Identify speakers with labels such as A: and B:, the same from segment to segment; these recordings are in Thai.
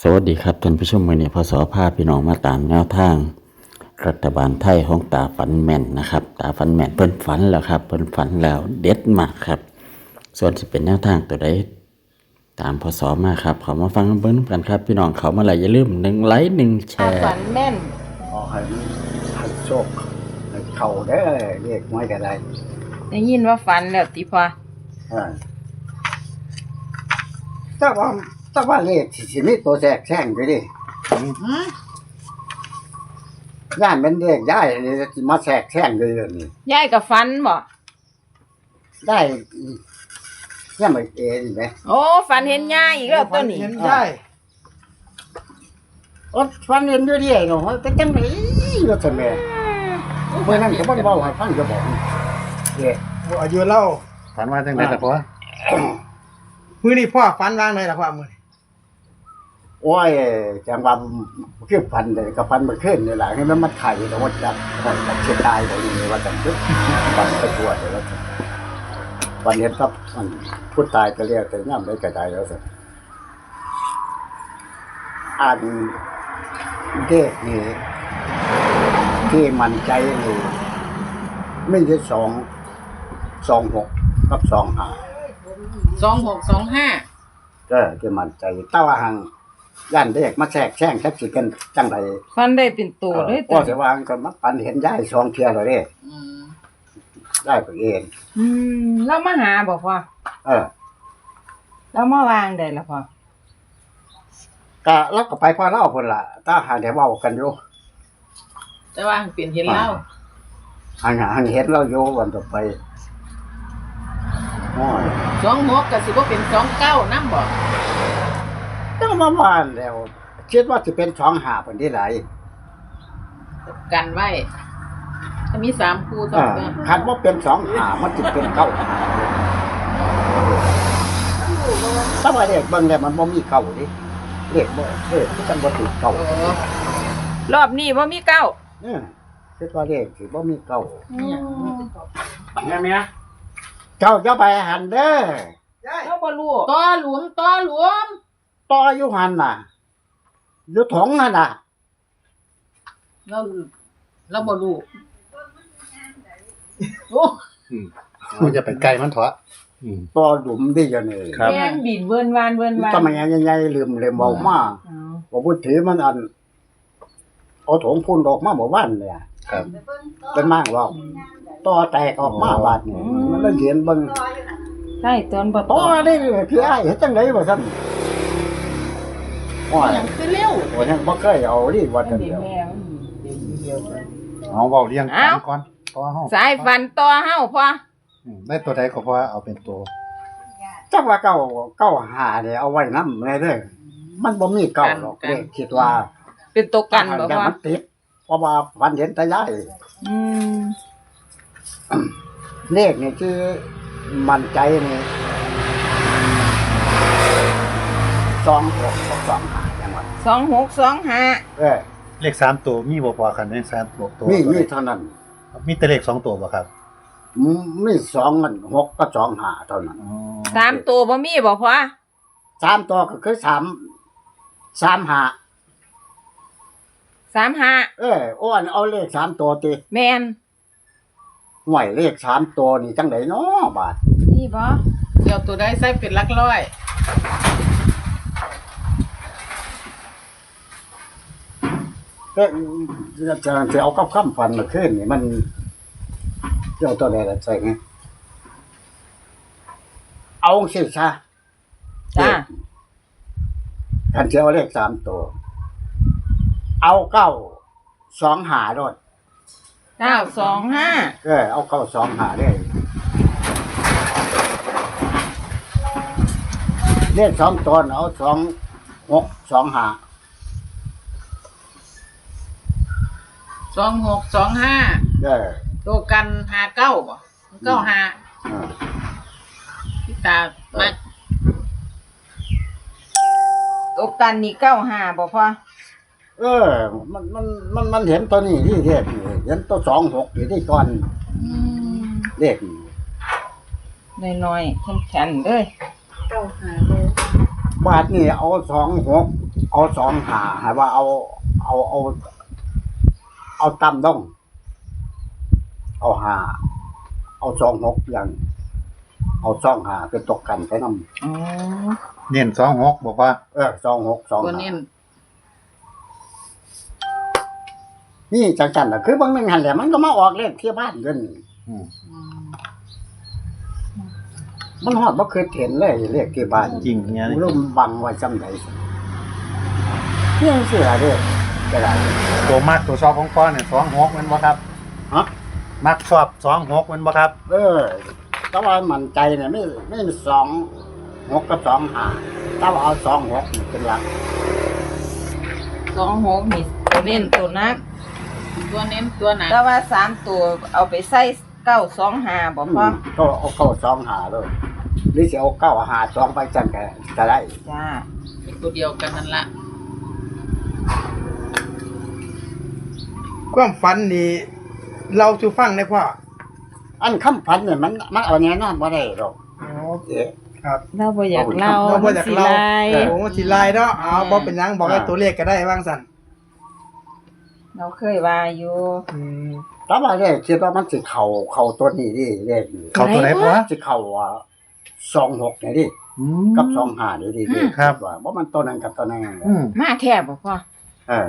A: สวัสดีครับท่านผู้ชมวันนี้พศพาพี่น้องมาตามแนวทางรัฐบาลไทยของตาฝันแม่นนะครับตาฝันแม่นเพิ่นฝันแล้วครับเพิ่นฝันแล้วเด็ดมากครับส่วนจะเป็นแนวทางตัวใดตามพศมาครับเขามาฟังเบิ้งกันครับพี่น้องเขามาแล้วอย่าลืม1 ไลค์1 แช
B: ตา
A: ร์
B: ฝันแม่น
C: ขอให้โชคให้เข้าได้อเรียกไม่ก็ได้
B: ได้ยินว่าฝันแล้วติพอ
C: เออแต่ว่าเลขสิมีตัวแทรกแซงอยู่ดิย่านเป็นเลขได้สิมาแทรกแซงเลยนี่
B: ยายกับฝันบ่
C: ได้ย่านไม่เองไหม
B: โอ้ฝันเห็นยายอีกแล้วตัวนี้
D: เห็นได้
C: โอ้ฟันเรียนด้วยดิเนาะแต่จังไหนก็ซั่นแม่เมื่อนั้นก็บ่ได้เว้าให้ฟังจะบอกเด้
D: อายุเล่า
E: ฝันว่าจังได๋ล่ะพ่อ
D: มื้อนี้พ่อฝันวางไหนล่ะพ่อมื้อนี้
C: โอ้ยจังว่าคือฟันเลยก็ฟันมาขึ้นนี่แหละให้มันมาไข่แต่ว่าจับกับเชียงรายบ่นี่ว่าจังปึ๊บฟันไปทั่วเลยว่าจังวันนี้ครับมันผู้ตายก็เรียกแต่ย่ำได้ก็ได้แล้วสิอ่านเด็กนี่ที่มันใจนี่ไม่ใช่26กับ25
B: 2625
C: ก็ที่มันใจแต่ว่าหังย่านเด็กมาแทรกแซงแทบสิกันจังได
B: ฝันได้เป็นตัวเลย
C: ก็สิว่าก็มาปันเห็นยาย2เที่ยแล้วเด้
B: อืม
C: ได้ไปเอง
B: เรามาหาบ่พ่อ
C: เออ
B: เรามาวางได้ล่ะพ่อ
C: ก็เราก็ไปพ่อเล่าพุ่นล่ะถ้าหาได้เว้ากันอยู่
B: แต่ว่าเปลี่ยนเห็นเล่า
C: หันเห็นเราอยู่วันต่อไปโอ้ย
B: 26ก็สิบ่เป็น29นำบ่
C: ต้องมาบ้านแล้วคิดว่าสิเป็น25เพิ่นที่ไหล
B: กันไว้ถ้ามี3คู่ต้
C: เอ
B: อง
C: อ
B: กัน
C: คันว่าเป็น25มันสิเป็น95ถ้าว่าเลขเบิ่งแล้วมันบ่มีเก้าดิเลขบ่คือจังบ่ถูกเก้า
B: โอ้รอบนี้บ่มีเก้า
C: คิดว่าเลขสิบ่มีเก้า
E: แม่เมีย
C: เจ้าจะไปหันเด้อ
B: เราบ่รู้ต่อหลวม
C: ต่ออยู่หันน่ะอยู่ถงนั่นน่ะ
B: เราบ่รู้โอ้
E: มันจะไปไกลมันเถอะอืม
C: ต่อหลุมดิอยู่นี่
E: ครับ
B: แม่นบินเวินวาน
C: ทำไมใหญ่ๆลืมเว้ามา
B: อ๋อ
C: บ่พูดถือมันอันเอาถงพุ่นออกมาบ่วันเลย
E: ครับ
C: เป็นมากว่าต่อแตกออกมาบาดนี่มันเลยเห็นเบิ่ง
B: ใช่ตอนบ่
C: ต่อนี่คืออ้ายเฮ็ดจังได๋ว่าซั่นโอ้ย
B: ยังคือเร็ว
C: โอ้ยยังบ่เคยเอาดิว่า
B: อั
C: จั
B: น
C: ง
B: นี้
C: เดียว
B: แม่มันเดียวกัน
E: เอาเว้าเรียงกันก่อนต่อเฮา
B: สายฟันต่อเฮาพ่อ
E: ได้ตัวใดก็พอเอาเป็นตัว
C: จักว่าเก้าหาเนี่ยเอาไว้นำแน่เด้อมันบ่มีเก้าหรอกเด้คิดว่า
B: เป็นตัวกันบ่
C: แต่
B: พ่อ
C: มันติดเพราะว่าวันเห็นแต่ยาย
B: อืม
C: เลขนี่คือมั่นใจนี่26กับ25จังหวัด
B: 2625
C: เออ
E: เลข3ตัวมีบ่พอกันใน3ตัว
C: มีเท่านั้น
E: มีแต่เลข2ตัวบ่ครับ
C: มี2มัน6กับ25เท่านั้น
E: อ๋อ
B: สามตัวบ่มีบ่พ่อ
C: 3ตัวก็คือ35
B: 35
C: อ้วนเอาเลข3ตัวติ
B: แม่น
C: ห่วยเลข3ตัวนี่จังได๋น้อบาด
B: นี่บ่เดี๋ยวตัวใดใส่เป็นหลักร้อย
C: ก็จะเอากับคำฟันมาขึ้นนี่มันเจ้าตัวใดล่ะใส่ไงเอาสิซะ
B: จ้า
C: คันสิเอาเลข3ตัวเอา925โดด
B: 925
C: เอา925ได้เลข2ตัวเอา2625
B: 2625ตัวกัน59บ่95พี่ตามาตัวกันนี่95บ่พ่อ
C: มันเห็นตัวนี้ที่เรียกนี่เห็นตัว26อยู่ที่ก่อนเลขนี่
B: น้อยๆแข็งๆเด้ย
C: บาทนี่เอา26 เอาสองหาให้ว่าเอาต่ำต้องเอาหาเอาสองหกอย่างเอาสองหาเป็นตกกันไปนำ
B: อ๋อ
E: เน้น26บอกว่า
C: สองหกสอง
B: ตัว
C: หา
B: นี้
C: นี่จังจันน่ะคือบางนึงหันแหละมันก็มาออกเลขที่บ้านเงิน
E: อืม
C: มันฮอดบ่เคยเห็นเลยเลขที่บ้าน
E: จริงเนี่ย
C: รู้บังไว้จำได้เนี่ยสิล่ะเด้อก็ได้
E: ตัวมักตัวชอบของพ่อเนี่ย26แม่นบ่ครับ
C: ฮะ
E: มักชอบ26แม่นบ่ครับ
C: แต่ว่ามั่นใจเนี่ยไม่สองหกกับสองหาถ้าว่าเอาสองหกนี่เป็นหลัก
B: 26นี่ตัวเน้นตัวนัก ตัวเน้นตัวหนัก
F: แต่ว่า3ตัวเอาไปใส่925บ่พ่อ
C: ก็เอาเข้าสองหาเลยหรือจะเอาเก้าหาสองไปจังก็ได้
F: จ้า
B: เป็นตัวเดียวกันนั่นละ
D: ความฝันนี่เราจะฟังได้พ่อ
C: อันคำพันเนี่ยมันเอาแน่นอนบ่ได้หรอก
D: โอเคครับ
F: เราบ่อยากเล่า
D: เราบ่อยากเล่า
F: มันสิลาย
D: โอ้สิลายเนาะเอาบ่เป็นหยังบอกให้ตัวเลขก็ได้ว่างสั่น
F: เราเคยว่าอยู่
D: อืม
C: แต่ว่าเนี่ยคิดว่ามันสิเข้าตัวนี้ดิเลขนี่
E: เขาตัวไหนพ่อ
C: สิเข้าสองหกนี่ดิ
E: อืม
C: กับสองหานี่ดิ
E: ครับ
C: ว่ามันตัวนั้นกับตัวนั้น
E: อืม
F: มาแท้บ่พ่อ
C: เออ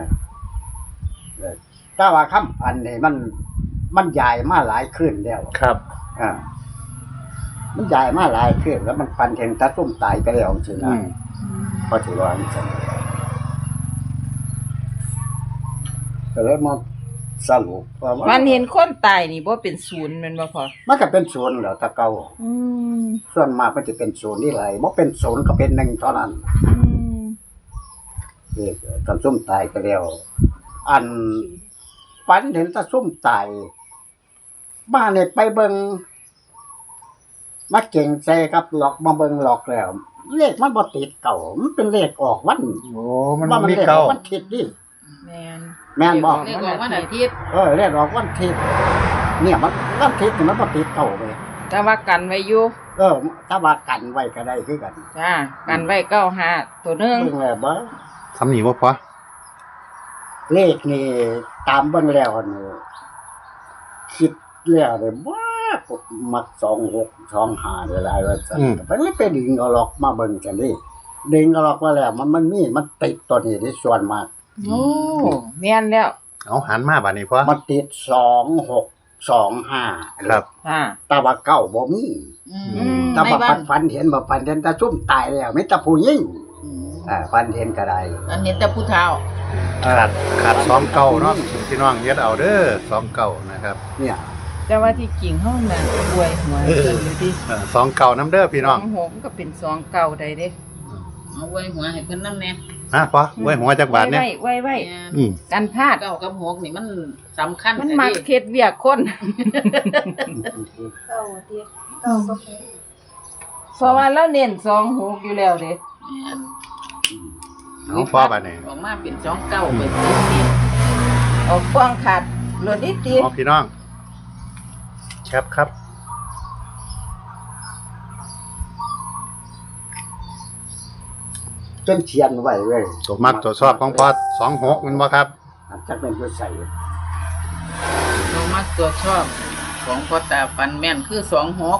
C: แต่ว่าคำพันนี่มันใหญ่มาหลายขึ้นแล้ว
E: ครับ
C: มันใหญ่มาหลายขึ้นแล้วมันฟันเห็นตาซุ่มตายไปแล้วจริง
E: อื
C: นะ
E: ม
C: พอถือว่าอันนี้ก็เลยมาสรุปว่า
F: มันเห็นคนตายนี่บ่เป็นศูนย์แม่นบ่พ่อ
C: มันก็เป็นศูนย์เหรอตะเกา
F: อืม
C: ส่วนมากมันจะเป็นศูนย์นี่ไรบ่เป็นศูนย์ก็เป็นหนึ่งเท่านั้น
F: อืม
C: ตาซุ่มตายไปแล้วอันฝันเห็นตาซุ่มตายมาเนี่ยไปเบิงมาเก่งใจกับหลอกมาเบิงหลอกแล้ว เลขมันบ่ติดเก่ามันเป็นเลขออกวัน
E: โอ้มัน
C: ว่า
E: มี
C: เลขอ
E: เก่า
C: อกวันทิศดิ
F: แม่น
C: แม่นบ่
B: เรียกว่าวันอาทิตย์
C: เลขออกวันทิศเนี่ยมันวันทิศนี่มันบ่ติดเก่าไป
F: แต่ว่ากันไว้อยู่
C: ถ้าว่ากันไว้ก็ได้คือกัน
F: จ้ากันไว้95ตัวหนึง
C: เบิ่งแล้วบ่
E: ทำหนีบ่พ่อ
C: เลขนี่ตามเบิ่งแล้วนี่คิดแล้วเลยว่ามัก26 25ได้หลายว่าซั่นก็ไปดึงเอาหรอกมาเบิ่งจังนี้ดึงเอาหรอกว่าแล้วมันติดตัวนี้ที่ส่วนมาก
F: โอ้แม่นแล้ว
E: เอาหันมาบัดนี้พ่อ
C: มันติด2625
E: ครับ
F: จ้า
C: แต่ว่าเก้าบ่มี
B: อื
F: อื
B: ม
F: ม
C: ถ้า
B: ใน
C: ว่า
B: บ้าน
C: ฝันเห็นตาซุ่มตายแล้วไม่ตาผู้หญิงฝันเห็นก็ได้
B: อันเห็นแต่ผู้เฒ่า
E: ขาด2เก่าเนาะพี่น้องเย็ดเอาเด้อ2เก่านะครับ
C: เนี่ย
F: แต่ว่าที่จริงเฮาน่ะรวยหัวเพิ่นอยู่ดิ
E: 2เก่าน้ำเด้อพี่น้อง
F: 26ก็เป็น2เก่าได้เด้
B: เอาไว้หัวให้เพิ่นนำแน่
E: ฮะพ่อไว้หัวจักบาทเนี่ย
F: ไว้
E: อืม
F: กันพลาด
B: เก้ากับหกนี่มันสำคัญ
F: มัน
B: แต่
F: มัก
B: นี่
F: เฮ็ดเวียกคน เพราะว่าเราเน้น26อยู่แล้วเด้
E: เอาพ่อบัดนี้
B: ออกมาเป็น29เป็นสิบ
F: เอากว้างขาดรถนิดติ
E: เอาพี่น้องแคปครับ
C: จนเทียนไว้เว้ย
E: ตัวมักตัวชอบของพ่อ26มันบ่ครับ
C: จักเป็นผู้ใส่
B: ตัวมักตัวชอบของพ่อตาฟันแม่นคือ26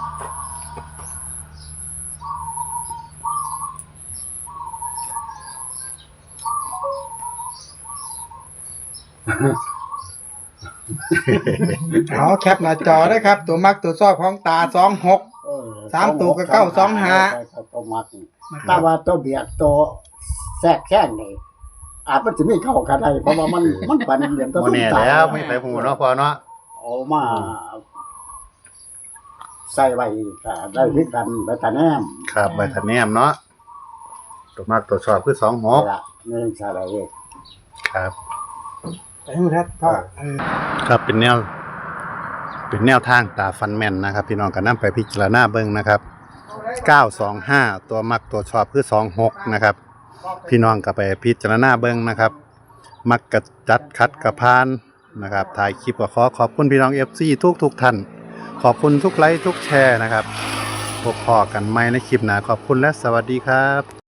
D: เอาแคปหน้าจอได้ครับ ตัวมักตัวชอบของตา26 3ตัวก็925
C: ตัวมักแต่ว่าตัวเบียดตัวแทรกแค่นี่อาจมันจะมีเข้ากันได้เพราะว่ามันฝันเห็นตา
E: บ่
C: ซุ่ม
E: แน่
C: ตาย
E: แล้วไม่ไปหูเนาะพ่อเนาะ
C: เอามาใส่ไว้ก็ได้คือกันไปตาแนม
E: ครับใบทันแนมเนาะตัวมักตัวชอบคือ26
C: ละนี่ใช่เลย
E: ครับ
D: ไปหูทัดพ่อ
E: ครับเป็นแนวทางตาฟันแม่นนะครับ พี่น้องก็นำไปพิจารณาเบิ่งนะครับ925ตัวมักตัวชอบคือ26นะครับ พี่น้องก็ไปพิจารณาเบิ่งนะครับ มักกะจัดคัดกะพานนะครับถ่ายคลิปก็ขอบคุณพี่น้อง FC ทุกท่าน ขอบคุณทุกไลค์ทุกแชร์นะครับพบพอกันใหม่ในคลิปหน้าขอบคุณและสวัสดีครับ